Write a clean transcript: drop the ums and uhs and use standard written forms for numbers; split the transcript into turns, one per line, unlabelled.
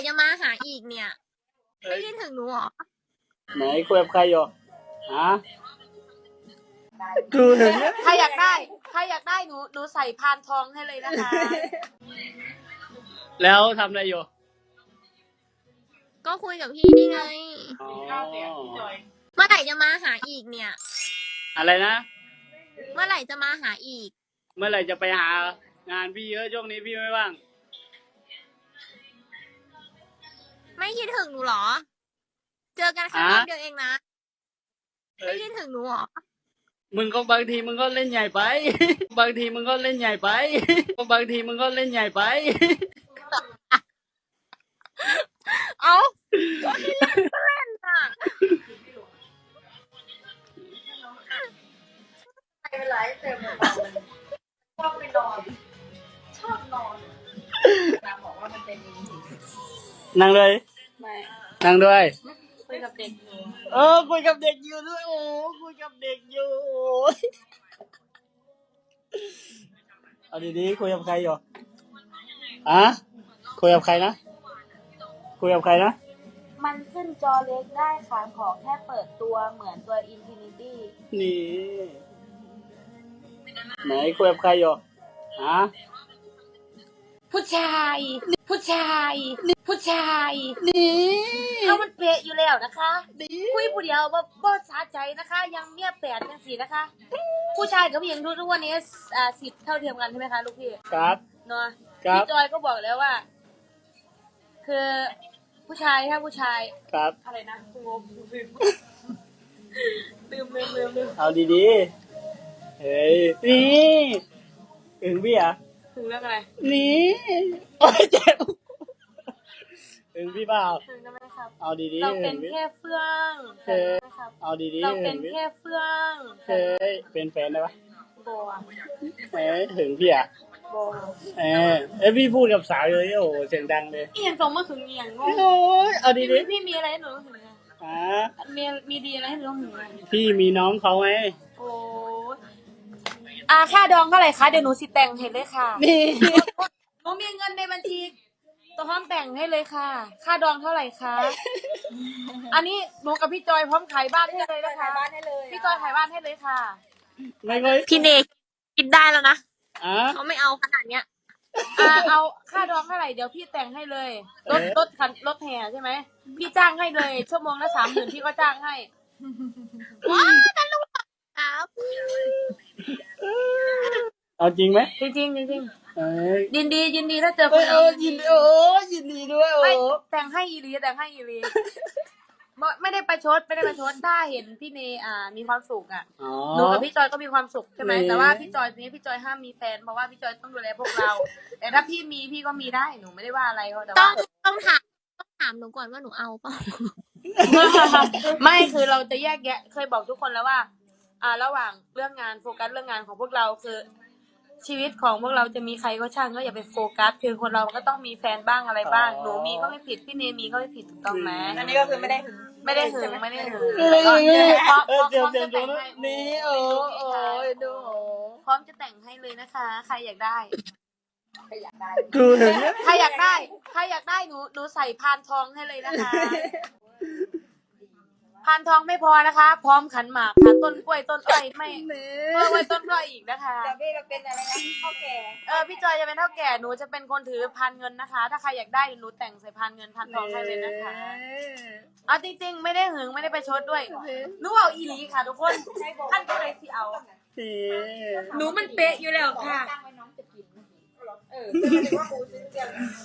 จะมาหาอีกเนี่ยไม่คิดถึงหนูหรอ
ไหนคุยกับใครอยู่ฮะกูเห็นไหม
ใครอยากได้หนูใส่พานทองให้เลยนะคะ
แล้วทำอะไรอยู่
ก็คุยกับพี่นี่ไง
อ๋อ
เมื่อไหร่จะมาหาอีกเนี่ย
อะไรนะ
เมื่อไหร่จะมาหาอีก
เมื่อไหร่จะไปหางานพี่เยอะช่วงนี้พี่ไม่ว่าง
ไม่คิดถึงหนูหรอ เจอกันแค่รอบเดียวเองนะไม่คิดถึงหนูหรอ
มึงก็บางทีมึงก็เล่นใหญ่ไป บางทีมึงก็เล่นใหญ่ไปบางทีมึงก็เล่นใหญ่ไป
เอาก็ที่เล่นก็เล่นอ่ะ
ไม่เป็นไรเติมมันชอบไปนอนชอบนอนนางบอกว่ามันเป็น
นั่งเลย
ไม่
นั่งด้วย
คุยกับเด็กอยู่
คุยกับเด็กอยู่ด้วยโอ้คุยกับเด็กอยู่เอาดีๆคุยกับใครอยู่อะคุยกับใครนะคุยกับใครนะ
มันขึ้นจอเล็กได้ค่ะขอแค่เปิดตัวเหมือนตัว Infinity
นี่ไหนคุยกับใครอยู่ฮะ
ผู้ชายนี่เขามันเปะอยู่แล้วนะคะคุยผู้เดียวบ่สะใจนะคะ ยังเมียแปดยังสี่นะคะ ผู้ชายกับผู้หญิงทุกวันนี้สิทธิ์เท่าเทียมกันใช่ไหมคะลูกพี่
ครับ
เนาะพี่จอยก็บอกแล้วว่า คือผู้ชายถ้าผู้ชาย
ครับ
อะไรนะงงลืม
เอาดีๆเฮ้ยนี่ถึงพี่อ่ะ
ถึงเรื่องอะไร
นี่โอ้ยเจ็บถึงพี่เปล่า
ถึงได้ไหมครับ
เอาดีๆ
เราเป็นแค่เฟื่อง
เอาดีๆ
เราเป็นแค่เฟื่อง
เฮ้ยเป็นแฟนได้ปะ
บัว
ถึงพี่อ่ะ
บัว
พี่พูดกับสาวเลยโอ้โหเสียงดังเลย
เอียงตรงมาถึงเอียงงง
โอ้ยเอาดี
ๆพี่มีอะไรให้หนูถึงมีดีอะไรให้หนูถึง
พี่มีน้องเขาไหม
โอ้ค่าดองเท่าไหร่คะเดี๋ยวหนูสิแต่งให้เลยค่ะ
นี่
หนูมีเงินในบัญชีตัวพร้อมแต่งให้เลยค่ะค่าดองเท่าไหร่คะอันนี้หนูกับพี่จอยพร้อมขายบ้านให้เลยนะคะพี่จอยขายบ้านให้เลยค่ะ
ไม่ค่อย
พี่เนกคิดได้แล้วนะเขาไม่เอาขนาดเนี้ย
เอาค่าดองเท่าไหร่เดี๋ยวพี่แต่งให้เลยรถแห่ใช่ไหมพี่จ้างให้เลยชั่วโมงละ30,000พี่ก็จ้างให้
ว้าตลกครับ
เอาจริงไหม
จริงยินดีถ้าเจอคน
ยินดีด้วย
ไม่แต่งให้อีลีไม่ได้ประชดถ้าเห็นพี่เนมีความสุขอ่ะหนูกับพี่จอยก็มีความสุขใช่ไหมแต่ว่าพี่จอยนี้พี่จอยห้ามมีแฟนเพราะว่าพี่จอยต้องดูแลพวกเราแต่ถ้าพี่มีพี่ก็มีได้หนูไม่ได้ว่าอะไรเขาแต่ว่า
ต้องถามหนูก่อนว่าหนูเอาเปล่า
ไม่คือเราจะแยกแยะเคยบอกทุกคนแล้วว่าระหว่างเรื่องงานโฟกัสเรื่องงานของพวกเราคือชีวิตของพวกเราจะมีใครก็ช่างก็อย่าไปโฟกัสคือคนเราก็ต้องมีแฟนบ้างอะไรบ้างหนูมีก็ไม่ผิดพี่เนมีก็ไม่ผิดถูกต้องไหม
อันนี้ก็คือไม่ได้หึง
พร้อมจะแต่งให้
นี่ดู
พร้อมจะแต่งให้เลยนะคะใครอยากได้
กูเห็นไหม
ใครอยากได้หนูใส่พานทองให้เลยนะคะพานทองไม่พอนะคะพร้อมขันหมากค่ะต้นกล้วยต้นอ้อยไม่เพิ่มไว้ต้นกล้วยอีกนะคะ
เดี๋ยวพี่จะเป็นอะไรนะเท่าแก่
พี่จอยจะเป็นเท่าแก่หนูจะเป็นคนถือพานเงินนะคะถ้าใครอยากได้หนูแต่งใส่พานเงินพานทองให้เลยนะคะจริงๆไม่ได้หึงไม่ได้ไปชดด้วยหนูเอาอีหลีค่ะทุกคนท่านก็เลยสิเอาหนูมันเป๊ะอยู่แล้วค่ะ